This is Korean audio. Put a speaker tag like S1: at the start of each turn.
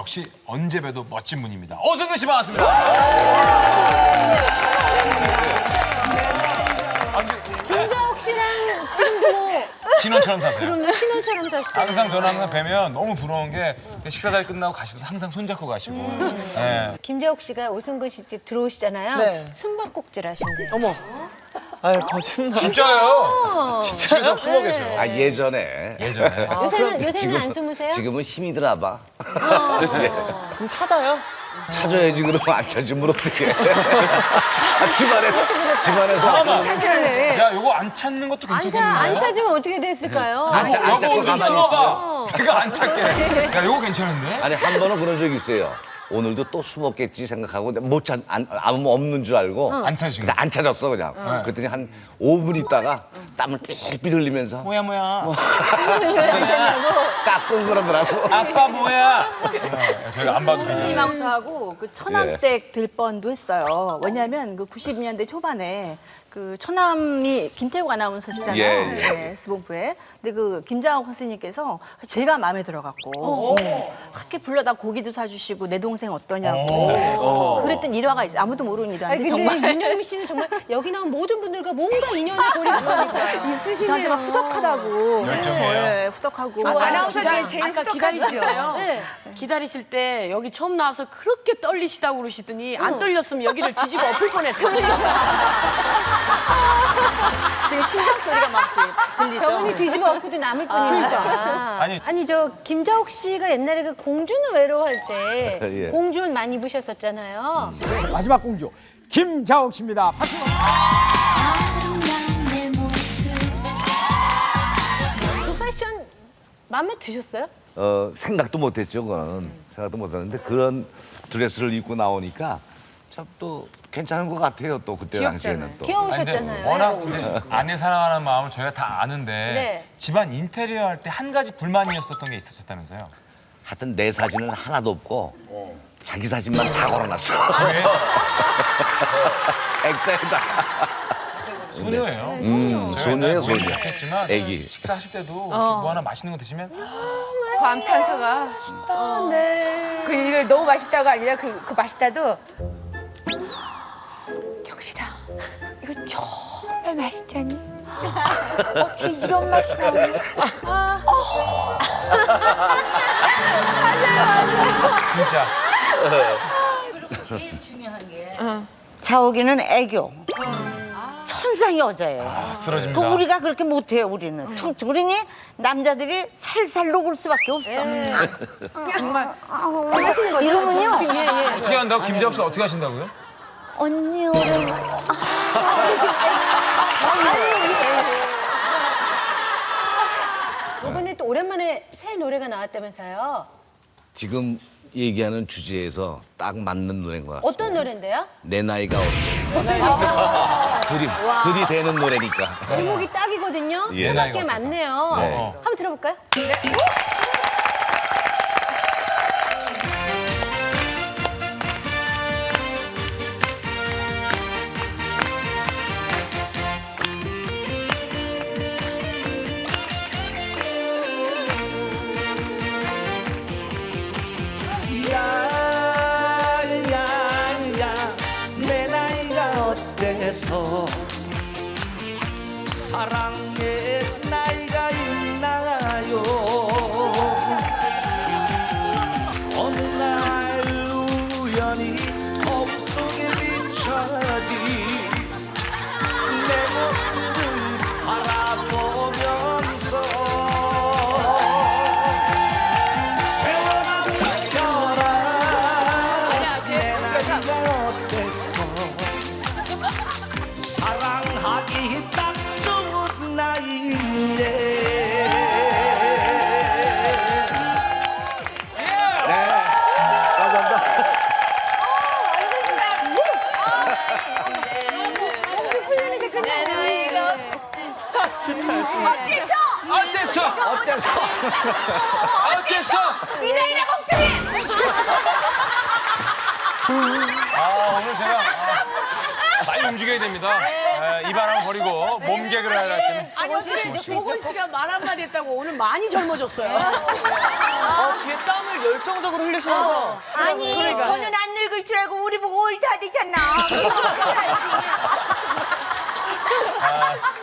S1: 역시 언제 봬도 멋진 분입니다. 오승근 씨 반갑습니다.
S2: 김자옥 씨랑 지금도 뭐
S1: 신혼처럼 사세요.
S2: 그럼요, 신혼처럼 사시잖아요.
S1: 항상 저는 항상 뵈면 너무 부러운 게 식사 자리 끝나고 가시도 항상 손잡고 가시고. 예.
S2: 김자옥 씨가 오승근 씨 집 들어오시잖아요.
S3: 네.
S2: 숨바꼭질 하신대요.
S3: 어머. 아유, 거짓말.
S1: 진짜요? 집에서 숨어 계세요.
S4: 아 예전에
S1: 예전에.
S2: 요새는 안 숨으세요?
S4: 지금은 힘이 드나봐.
S3: 그럼 찾아요?
S4: 찾아야지 그러면 안 찾으면 어떡해. 집안에서
S1: 잠깐만.
S2: 네.
S1: 야, 이거 안 찾는 것도 괜찮겠는데요?
S2: 안 찾으면 어떻게 됐을까요?
S4: 안 찾고
S1: 여보 좀
S4: 가만히
S1: 숨어봐. 내가 안 찾게. 야, 이거 괜찮은데?
S4: 아니 한 번은 그런 적이 있어요. 오늘도 또 숨었겠지 생각하고 아무 없는 줄 알고
S1: 안 찾으신
S4: 그래서 안 찾았어 그냥. 그랬더니 한 5분 있다가 땀을 삐삐 흘리면서
S1: 뭐야.
S4: 까꿍 그러더라고.
S1: 아빠 뭐야? 저희가 안 봐도 되죠.
S5: 이랑 저하고 그 처남댁 될 뻔도 했어요. 왜냐하면 그 90년대 초반에 그 처남이 김태국 아나운서시잖아요.
S4: 예, 예.
S5: 네, S본부에. 근데 그 김장옥 선생님께서 제가 마음에 들어갖고 그렇게 불러다 고기도 사주시고 내 동생 어떠냐고 그랬던 일화가 있어요. 아무도 모르는
S2: 아니,
S5: 일화인데
S2: 근데
S5: 정말
S2: 윤영미 씨는 정말 여기 나온 모든 분들과 뭔가 인연이 고리가 있으시네요.
S5: 저한테 막 후덕하다고.
S1: 열정이에요?
S5: 네, 후덕하고.
S6: 아나운서님이 제일 기다리시잖아요.
S2: 네.
S6: 기다리실 때 여기 처음 나와서 그렇게 떨리시다고 그러시더니 안 떨렸으면 여기를 뒤집어 엎을 뻔했어요.
S5: 지금 심장 소리가 막 들리죠.
S2: 저분이 뒤집어 엎고도 남을 뿐이니까. 아니 저 김자옥 씨가 옛날에 그 공주는 외로워할 때
S4: 예.
S2: 공주 옷 많이 입으셨었잖아요.
S7: 마지막 공주 김자옥 씨입니다. 박수.
S2: 그 패션 마음에 드셨어요?
S4: 생각도 못했죠 그거는. 생각도 못했는데 그런 드레스를 입고 나오니까 참 또 괜찮은 것 같아요. 또 그때 당시에는 또.
S2: 귀여우셨잖아요.
S1: 워낙 근데 아내 사랑하는 마음을 저희가 다 아는데
S2: 네.
S1: 집안 인테리어 할 때 한 가지 불만이었었던 게 있으셨다면서요?
S4: 하여튼 내 사진은 하나도 없고 자기 사진만 다 걸어놨어.
S1: 집에
S4: 액자에다.
S1: 소녀예요.
S4: 소녀예요, 소녀.
S1: 했지만
S4: 애기.
S1: 식사하실 때도 뭐 하나 맛있는 거 드시면
S8: 감탄사가
S2: 네.
S8: 그 이걸 너무 맛있다가 아니라 그 맛있다도 경실아 이거 정말 맛있잖니? 어떻게 이런 맛이 나오니?
S1: 진짜
S9: 자옥이는 애교. 천상 여자예요.
S1: 쓰러집니다.
S9: 그 우리가 그렇게 못해요. 우리는. 그러니 남자들이 살살 녹을 수밖에 없어.
S2: 정말 하시는 거죠?
S9: 이러면요.
S2: 지금 예.
S1: 어떻게 한다고? 김재혁 씨 어떻게 하신다고요?
S9: 언니 오늘
S2: 이번에 또 오랜만에 새 노래가 나왔다면서요?
S4: 지금 얘기하는 주제에서 딱 맞는 노래인 것 같습니다.
S2: 어떤 노래인데요?
S4: 내 나이가 어때서. 들이대는 노래니까.
S2: 제목이 딱이거든요.
S4: 예.
S2: 꽤
S1: 나이가
S2: 많네요.
S4: 네.
S2: 한번 들어볼까요?
S10: 야야야 내 나이가 어때서 사랑의 나이가 있나요 어느 날 우연히 거울 속에 비춰진 내 모습을 바라보면서 세월을 느껴라 내 나이가 어때서 사랑하기 딱 좋은 나이인데
S1: 어땠어?
S8: 네 나이라 걱정해!
S1: 오늘 제가 많이 움직여 늙어야 됩니다. 이 바람 버리고 몸 개그를 해야 될 때는.
S6: 아니 어떻게 조건 씨가 말 한마디 했다고 오늘 많이 젊어졌어요.
S3: 뒤에 땀을 열정적으로 흘리시면서
S8: 아니 저는 안 늙을 줄 알고 우리 보고 올다 되잖아.